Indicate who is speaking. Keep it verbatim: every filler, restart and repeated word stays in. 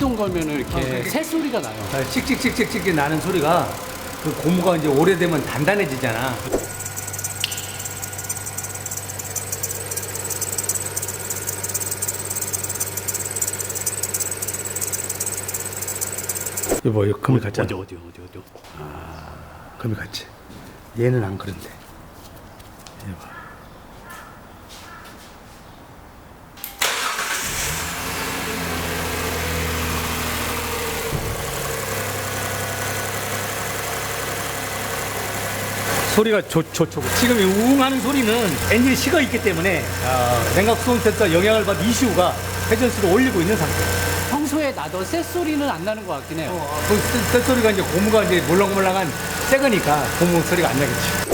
Speaker 1: 시동 걸면 이렇게
Speaker 2: 어, 그렇게-
Speaker 1: 새 소리가 나요.
Speaker 2: 씩씩씩씩씩 나는 소리가 그 고무가 이제 오래되면 단단해지잖아. 여보, 이거 금이 같잖아.
Speaker 1: 어디 어디 어디 어디.
Speaker 2: 금이 같지. 얘는 안 그런데. 여보. 소리가 좋, 좋죠. 지금 이 우웅하는 소리는 엔진이 식어 있기 때문에 어, 냉각 수온 센서 영향을 받은 이슈가 회전수를 올리고 있는 상태예요.
Speaker 1: 평소에 나던 새 소리는 안 나는 것 같긴 해요.
Speaker 2: 어, 그 쇳소리가 이제 고무가 이제 몰랑몰랑한 새 거니까 고무 소리가 안 나겠지.